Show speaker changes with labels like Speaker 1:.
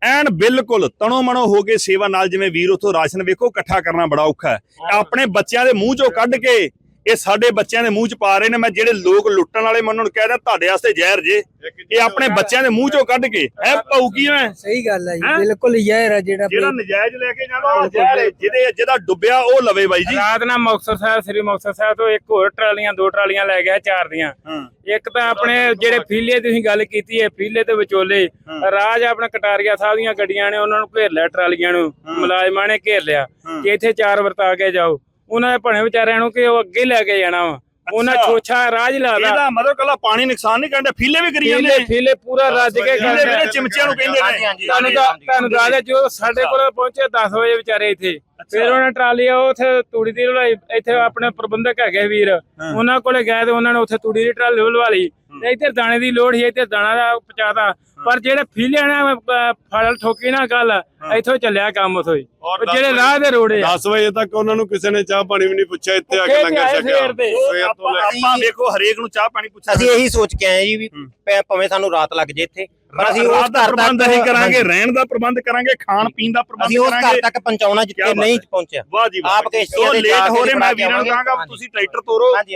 Speaker 1: ਐਨ ਬਿਲਕੁਲ ਤਣੋ ਮਣੋ ਹੋ ਕੇ ਸੇਵਾ ਨਾਲ। ਜਿਵੇਂ ਵੀਰ ਉਥੋਂ ਰਾਸ਼ਨ ਵੇਖੋ ਇਕੱਠਾ ਕਰਨਾ ਬੜਾ ਔਖਾ ਹੈ, ਆਪਣੇ ਬੱਚਿਆਂ ਦੇ ਮੂੰਹ ਚੋਂ ਕੱਢ ਕੇ ਇਹ ਸਾਡੇ ਬੱਚਿਆਂ ਦੇ ਮੂੰਹ ਚ ਪਾ ਰਹੇ ਨੇ। ਮੈਂ ਜਿਹੜੇ ਲੋਕ ਲੁੱਟਣ ਵਾਲੇ ਮੈਂ ਉਹਨਾਂ ਨੂੰ ਕਹਿ ਰਿਹਾ ਤੁਹਾਡੇ ਵਾਸਤੇ ਜ਼ਹਿਰ ਜੇ, ਇਹ ਆਪਣੇ ਬੱਚਿਆਂ ਦੇ ਮੂੰਹ ਚੋਂ ਕੱਢ ਕੇ ਐ ਪਾਉ ਕੀ ਮੈਂ।
Speaker 2: ਸਹੀ ਗੱਲ ਹੈ ਜੀ, ਬਿਲਕੁਲ ਜ਼ਹਿਰ ਹੈ ਜਿਹੜਾ
Speaker 1: ਨਜਾਇਜ਼ ਲੈ ਕੇ ਜਾਂਦਾ ਉਹ ਜ਼ਹਿਰ ਹੈ, ਜਿਹਦਾ ਡੁੱਬਿਆ ਉਹ ਲਵੇ ਬਾਈ ਜੀ।
Speaker 3: ਰਾਤ ਨਾਲ ਮੁਕਤਸਰ ਸਾਹਿਬ, ਸ੍ਰੀ ਮੁਕਤਸਰ ਸਾਹਿਬ ਤੋਂ ਇੱਕ ਹੋਰ ਟਰਾਲੀਆਂ, 2 ਟਰਾਲੀਆਂ ਲੈ ਗਿਆ 4 ਦੀਆਂ। ਇੱਕ ਤਾਂ ਆਪਣੇ ਜਿਹੜੇ ਫੀਲੇ ਤੁਸੀਂ ਗੱਲ ਕੀਤੀ ਹੈ, ਫੀਲੇ ਤੇ ਵਿਚੋਲੇ ਰਾਜ ਆਪਣੇ ਕਟਾਰੀਆ ਸਾਹਿਬ ਦੀਆਂ ਗੱਡੀਆਂ ਨੇ ਉਹਨਾਂ ਨੂੰ ਘੇਰ ਲਿਆ, ਟਰਾਲੀਆਂ ਨੂੰ ਮੁਲਾਜ਼ਮਾਂ ਨੇ ਘੇਰ ਲਿਆ ਕਿ ਇੱਥੇ 4 ਵਰਤਾ ਕੇ ਜਾਓ। ਉਹਨਾਂ ਦੇ ਭਣੇ ਵਿਚਾਰਿਆਂ ਨੂੰ ਕਿ ਉਹ ਅੱਗੇ ਲੈ ਕੇ ਜਾਣਾ ਵਾ, ਉਹਨਾਂ ਛੋਛਾ ਰਾਜ ਲਾਦਾ।
Speaker 1: ਇਹਦਾ ਮਤਲਬ ਕੱਲਾ ਪਾਣੀ ਨੁਕਸਾਨ ਨਹੀਂ ਕਰਦਾ, ਫੀਲੇ ਵੀ ਕਰੀ ਜਾਂਦੇ ਨੇ।
Speaker 3: ਫੀਲੇ ਪੂਰਾ ਰੱਜ ਕੇ
Speaker 1: ਕਰਦੇ ਚਿਮਚਿਆਂ ਨੂੰ ਕਹਿੰਦੇ ਨੇ।
Speaker 3: ਤੁਹਾਨੂੰ ਦੱਸਦਾ ਜੋ ਸਾਡੇ ਕੋਲ ਪਹੁੰਚੇ 10 ਵਜੇ ਵਿਚਾਰੇ ਇੱਥੇ, ਫਿਰ ਉਹਨਾਂ ਟਰਾਲੀ ਉੱਥੇ ਤੂੜੀ ਦੀ ਲਵਾਈ। ਇੱਥੇ ਆਪਣੇ ਪ੍ਰਬੰਧਕ ਹੈਗੇ ਵੀਰ, ਉਹਨਾਂ ਕੋਲੇ ਗਏ ਤੇ ਉਹਨਾਂ ਨੇ ਉੱਥੇ ਤੂੜੀ ਦੀ ਟਰਾਲੀ ਲਵਾ ਲਈ। ਇੱਧਰ ਦਾਣੇ ਦੀ ਲੋੜ ਸੀ, ਇੱਧਰ ਦਾਣਾ ਦਾ ਪਹੁੰਚਾਤਾ। ਪਰ ਜਿਹੜੇ ਫੀਲੇ ਨੇ ਫਲ ਠੋਕੀ ਨਾ ਗੱਲ, ਇੱਥੋਂ ਚੱਲਿਆ ਕੰਮ ਉੱਥੋਂ ਹੀ। ਜਿਹੜੇ ਰਾਹ ਦੇ ਰੋੜੇ
Speaker 4: 10 ਵਜੇ ਤੱਕ ਉਹਨਾਂ ਨੂੰ ਕਿਸੇ ਨੇ ਚਾਹ ਪਾਣੀ ਵੀ ਨਹੀਂ ਪੁੱਛਿਆ, ਇੱਥੇ ਆ ਕੇ ਲੰਗਰ ਛਕਿਆ।
Speaker 1: ਆਪਾਂ ਵੇਖੋ ਹਰੇਕ ਨੂੰ ਚਾਹ ਪਾਣੀ ਪੁੱਛਿਆ।
Speaker 5: ਅਸੀਂ ਇਹੀ ਸੋਚ ਕੇ ਆਏ ਜੀ ਵੀ ਭਾਵੇਂ ਸਾਨੂੰ ਰਾਤ ਲੱਗ ਜੇ ਇੱਥੇ, ਪਰ ਅਸੀਂ ਉਸ
Speaker 1: ਦਾ ਪ੍ਰਬੰਧ ਅਸੀਂ ਕਰਾਂਗੇ, ਰਹਿਣ ਦਾ ਪ੍ਰਬੰਧ ਕਰਾਂਗੇ, ਖਾਣ ਪੀਣ ਦਾ ਪ੍ਰਬੰਧ
Speaker 5: ਅਸੀਂ ਉਸ ਘਰ ਤੱਕ ਪਹੁੰਚਾਉਣਾ ਜਿੱਥੇ ਨਹੀਂ ਪਹੁੰਚਿਆ।
Speaker 1: ਵਾਹ ਜੀ ਵਾਹ।
Speaker 5: ਆਪ ਕਿਸ਼ਤੀਆਂ ਦੇ
Speaker 1: ਲੇਟ ਹੋ ਰਹੇ, ਮੈਂ ਵੀਰਾਂ ਨੂੰ ਕਹਾਂਗਾ ਤੁਸੀਂ ਟਰੈਕਟਰ ਤੋਰੋ।